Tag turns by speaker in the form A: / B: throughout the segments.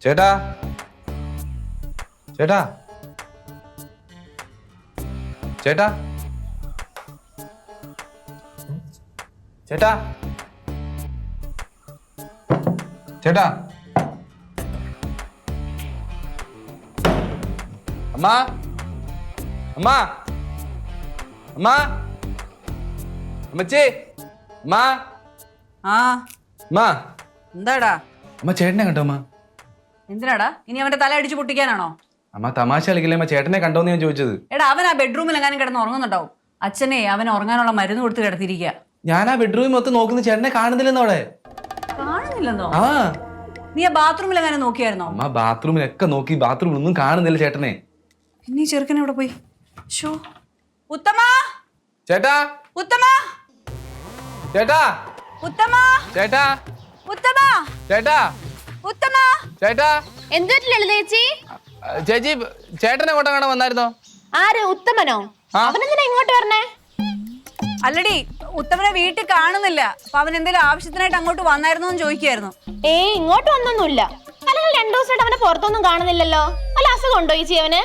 A: ചേട്ടാ ചേട്ടാ ചേട്ടാ ചേട്ടാ ചേട്ടാ അമ്മ അമ്മ അമ്മ അമ്മച്ചി അമ്മ
B: ആ
A: അമ്മ
B: എന്താടാ
A: അമ്മ ചേട്ടനെ കണ്ടോ അമ്മ?
B: എന്തിനാടാ ഇനി അവന്റെ തല അടിച്ചു പൊട്ടിക്കാനാണോ?
A: അമ്മ തമാശ കളിക്കില്ലേ അമ്മ? ചേട്ടനെ കണ്ടോന്ന് ഞാൻ ചോദിച്ചത്.
B: എടാ അവൻ ആ ബെഡ്റൂമിൽ എങ്ങാനും കിടന്ന് ഉറങ്ങുന്നുണ്ടാവും. അച്ഛനെ അവൻ ഉറങ്ങാനുള്ള മരുന്ന് കൊടുത്ത് കിടത്തിരിക്കുക.
A: ഞാൻ ആ ബെഡ്റൂമിൽ മൊത്തം നോക്കുന്ന ചേട്ടനെ കാണുന്നില്ലെന്നോ അവിടെ?
B: കാണുന്നില്ലെന്നോ?
A: ആ
B: നീ ആ ബാത്റൂമിൽ എങ്ങാനും നോക്കിയായിരുന്നോ?
A: അമ്മ ബാത്റൂമിലൊക്കെ നോക്കി, ബാത്റൂമിൽ ഒന്നും കാണുന്നില്ല ചേട്ടനെ.
B: പിന്നെ ഈ ചെറുക്കൻ എവിടെ പോയി? ഷോ ഉത്തമ
A: ചേട്ടാ
B: ഉത്തമ
A: ചേട്ടാ
B: ഉത്തമ
A: ചേട്ടാ
B: ഉത്തമ
A: ചേട്ടാ
B: ഉത്തമ
A: ചേട്ടാ
C: എന്തുപറ്റില്ല ചേച്ചി?
A: ചേച്ചി ചേട്ടനെ കൊണ്ട കാണാൻ വന്നായിരുന്നോ?
C: ആര്? ഉത്തമനോ? അവനെന്തിനാ ഇങ്ങോട്ട് വരണേ?
B: അല്ലടി ഉത്തമനെ വീട്ടിൽ കാണുന്നില്ല. അപ്പൊ അവൻ എന്തെങ്കിലും ആവശ്യത്തിനായിട്ട് അങ്ങോട്ട് വന്നായിരുന്നോ എന്ന് ചോദിക്കായിരുന്നു.
C: ഇങ്ങോട്ട് വന്നൊന്നുമില്ല. അല്ലെങ്കിൽ 2 ദിവസമായിട്ട് അവനെ പുറത്തൊന്നും കാണുന്നില്ലല്ലോ. അല്ല അസുഖം ഉണ്ടോ ചേച്ചി അവന്?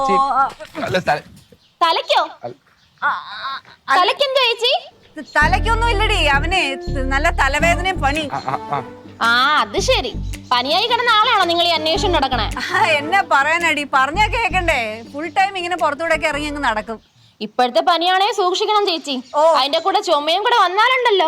C: തലയ്ക്കോ? തലയ്ക്കെന്തോ ചേച്ചി?
B: തലയ്ക്കൊന്നും ഇല്ലടി, അവനെ നല്ല തലവേദനയും പണി.
C: അത് ശരി. പനിയായി കിടന്ന ആളാണോ നിങ്ങൾ ഈ അന്വേഷണം നടക്കണേ?
B: എന്നെ പറയാനടി, പറഞ്ഞാ കേക്കണ്ടേ? ഫുൾ ടൈം ഇങ്ങനെ പുറത്തൂടെ ഒക്കെ ഇറങ്ങി അങ്ങ് നടക്കും.
C: ഇപ്പോഴത്തെ പനിയാണേ സൂക്ഷിക്കണം ചേച്ചി. അതിന്റെ കൂടെ ചുമയും കൂടെ വന്നാലുണ്ടല്ലോ.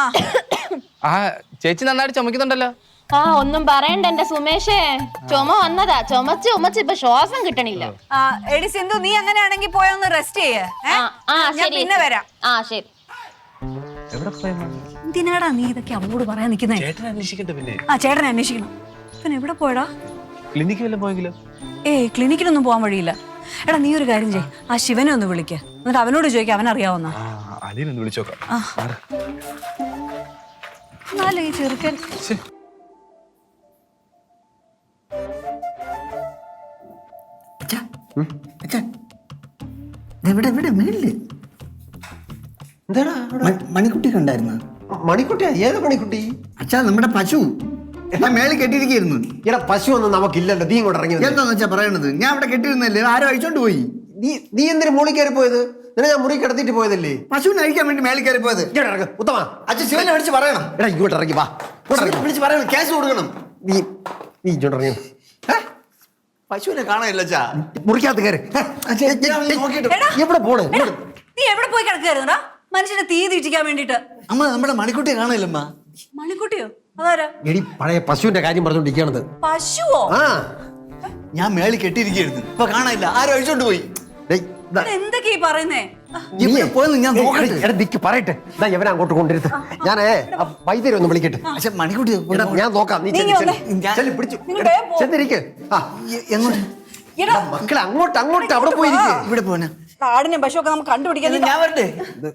A: ചേച്ചി നന്നായിട്ട് ചുമക്കുന്നുണ്ടല്ലോ.
C: ഒന്നും പറയണ്ട എന്റെ സുമേഷേ. ചുമ വന്നതാ, ചുമച്ച് ചുമച്ച് ഇപ്പൊ ശ്വാസം കിട്ടണില്ല.
B: എടി സിന്ധു, നീ അങ്ങനെയാണെങ്കിൽ പോയൊന്ന് റെസ്റ്റ് ചെയ്യേ. പിന്നെ വരാം.
C: ശരി.
B: എന്തിനാടാ നീ ഇതൊക്കെ അവളോട് പറയാൻ നിൽക്കുന്നേ?
A: ചേട്ടനെ അന്വേഷിക്കട്ടെ. പിന്നെ
B: ചേട്ടനെ അന്വേഷിക്കണം. പിന്നെ എവിടെ പോയടാ?
A: ക്ലിനിക്കിൽ വല്ലതും പോയെങ്കിലോ?
B: ക്ലിനിക്കിലൊന്നും പോകാൻ വഴിയില്ല. എടാ നീ ഒരു കാര്യം ചെയ്യ്, ആ ശിവനെ ഒന്ന് വിളിക്ക, എന്നിട്ട് അവനോട് ചോദിക്കാം അവനറിയാവുന്ന.
A: അലീനൊന്ന് വിളിച്ചോക്കാം.
B: എന്നാലേ ഈ ചെറുക്കൻ
D: മണിക്കുട്ടി കണ്ടായിരുന്നു?
E: മണിക്കുട്ടിയാ? ഏത് മണിക്കുട്ടി?
D: അച്ഛാ നമ്മുടെ പശു മേളിൽ കെട്ടിയിരിക്കുന്നു.
E: ഇവിടെ പശു ഒന്നും നമുക്കില്ലല്ലോ. നീ ഇങ്ങോട്ട് ഇറങ്ങി.
D: എന്താന്ന് വെച്ചാ പറയണത്? ഞാൻ അവിടെ കെട്ടിയിരുന്നല്ലേ, ആരും അഴിച്ചോണ്ട് പോയി.
E: നീ എന്തിനു മുകളിൽ കയറി പോയത്? നിന്നെ ഞാൻ മുറി കിടത്തിട്ട് പോയതല്ലേ?
D: പശുവിനെ അഴിക്കാൻ വേണ്ടി മേളിൽ കയറി പോയത്.
E: ഉത്തമ,
D: അച്ഛൻ ശിവനെ വിളിച്ച് പറയണം.
E: എടാ ഇങ്ങോട്ട് ഇറങ്ങി വാ.
D: വിളിച്ച് പറയണം, ക്യാഷ് കൊടുക്കണം.
E: നീ ഇങ്ങോട്ട് ഇറങ്ങി.
D: പശുവിനെ കാണാനില്ല അച്ഛാ.
E: മുറിക്കകത്ത് കയറി. എവിടെ പോണേ?
B: നീ എവിടെ പോയി കിടക്കായിരുന്നടാ? മനുഷ്യനെ തീ തീറ്റിക്കാൻ വേണ്ടിട്ട്.
D: അമ്മ നമ്മുടെ മണിക്കുട്ടിയെ കാണാനില്ലമ്മ.
B: മണിക്കുട്ടിയോ? അതാരാ?
E: എടി പഴയ പശുവിന്റെ കാര്യം പറഞ്ഞോണ്ടിരിക്കണത്.
B: പശുവോ?
D: ഞാൻ മേളിൽ കെട്ടിയിരിക്കുന്നു, ഇപ്പൊ കാണാനില്ല, ആരും അഴിച്ചോണ്ട് പോയി.
B: എന്തൊക്കെയാ പറയുന്നേ?
D: പോയെന്ന് ഞാൻ നോക്കട്ടെ.
E: പറയട്ടെ. ഇവനെ അങ്ങോട്ട് കൊണ്ടിരുത്ത്. ഞാനേ വൈദ്യരെ ഒന്ന് വിളിക്കട്ടെ.
D: പക്ഷെ മണിക്കുട്ടി
E: ഞാൻ നോക്കാം. നീ പിടിച്ചു ചെന്നിരിക്കെ. മക്കളെ അങ്ങോട്ട് അവിടെ പോയിരിക്കേ.
D: ഇവിടെ പോന
B: ആടിനെ പശുവൊക്കെ നമുക്ക് കണ്ടുപിടിക്കാൻ.
D: ഞാൻ വരട്ടെ.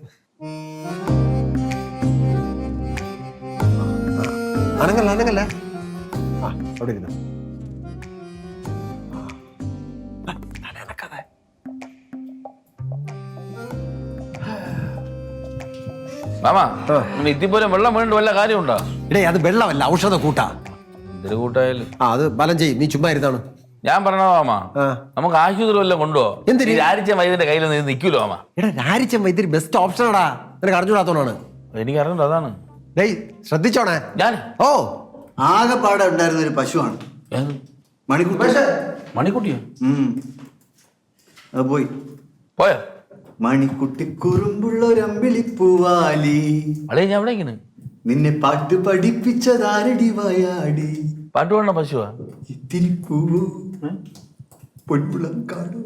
E: അനങ്ങല്ല. അവിടെ ഇരുന്നു.
A: മാമാ, ഇത്തിപ്പോലെ വെള്ളം വീണ്ടും വല്ല കാര്യമുണ്ടോ?
E: ഇടേ അത് വെള്ളമല്ല, ഔഷധ കൂട്ടാ.
A: എന്തൊരു കൂട്ടായാലും
E: അത് ബലം ചെയ്യും. നീ ചുമ്മാ ഇരുന്നാണ്.
A: ഞാൻ പറഞ്ഞോ മാമാ, നമുക്ക് ആശുപത്രി വല്ലതും കൊണ്ടുപോ. രാരിച്ച വൈദ്യന്റെ കയ്യിൽ നിന്ന് നിൽക്കൂലോ മാമാ?
E: എടാ രാരിച്ചൻ വൈദ്യുതി ബെസ്റ്റ് ഓപ്ഷനാടാ. നിനക്ക് അറിഞ്ഞൂടാത്തോണാണ്.
A: എനിക്ക് അറിഞ്ഞു. അതാണ്.
E: ഡേയ് ശ്രദ്ധിച്ചോണേ.
A: ഞാൻ
D: ആകെപ്പാടെ ഉണ്ടായിരുന്ന ഒരു പശുവാണ് മണിക്കുട്ടി.
A: മണിക്കുട്ടിയോ?
D: അത്
A: പോയോ?
D: മണിക്കുട്ടി കുറുമ്പുള്ളൊരമ്പിളിപ്പൂവാലി,
A: അളേ ഞാൻ എവിടെ ഇങ്ങനെ
D: നിന്നെ പാട്ട് പഠിപ്പിച്ചതാരടി വായാടി.
A: പാട്ട് പാടണ പശുവാ?
D: ഇത്തിരി പൂവോ പൊൻപുളം കാടോ.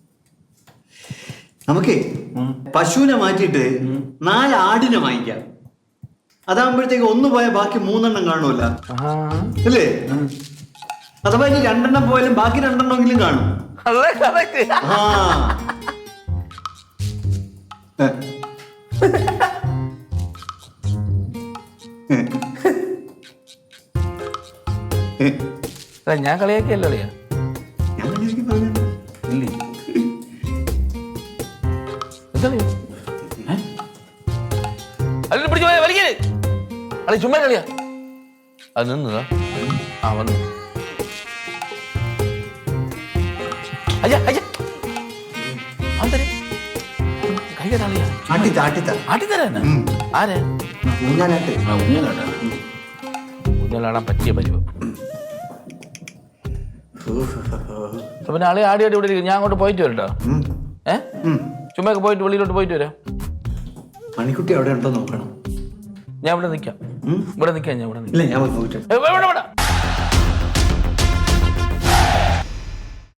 D: നമുക്കേ പശുവിനെ മാറ്റിയിട്ട് 4 ആടിനെ വാങ്ങിക്കാം. അതാകുമ്പോഴത്തേക്ക് 1 പോയാൽ ബാക്കി 3 എണ്ണം കാണുമല്ല, അല്ലേ? അഥവാ ഇനി 2 എണ്ണം പോയാലും ബാക്കി 2 എണ്ണമെങ്കിലും കാണും.
A: ഞാൻ കളിയാക്കിയല്ലോ അളിയാ. ഇല്ലേ അല്ല പിടിച്ചു പോയ വലിക്കല്. അളി ചുമ്മാ കളിയാ. അത് നിന്നതാ. വന്നു അയ്യ അയ്യ അന്തരെ കൈകടാളിയാ
D: ആട്ടിത്ത ആട്ടിത്ത
A: ആട്ടിത്തരാ ആരെ
D: ഊഞ്ഞാലാട്ട്
A: ഊഞ്ഞാലാടാൻ പറ്റിയ പരിവം. പിന്നെ ആളെ ആടി ആടി ഇവിടെ ഇരിക്കും. ഞാൻ അങ്ങോട്ട് പോയിട്ട് വരട്ടോ. ചുമ്മാ പോയിട്ട് വെളിയിലോട്ട് പോയിട്ട് വരാം.
D: മണിക്കുട്ടി അവിടെ ഉണ്ടോ നോക്കണം.
A: ഞാൻ ഇവിടെ നിൽക്കാം. ഇവിടെ നിൽക്കാം. ഞാൻ ഇവിടെ
D: ഇല്ല ഞാൻ പോയിട്ട്
A: നിൽക്കാം.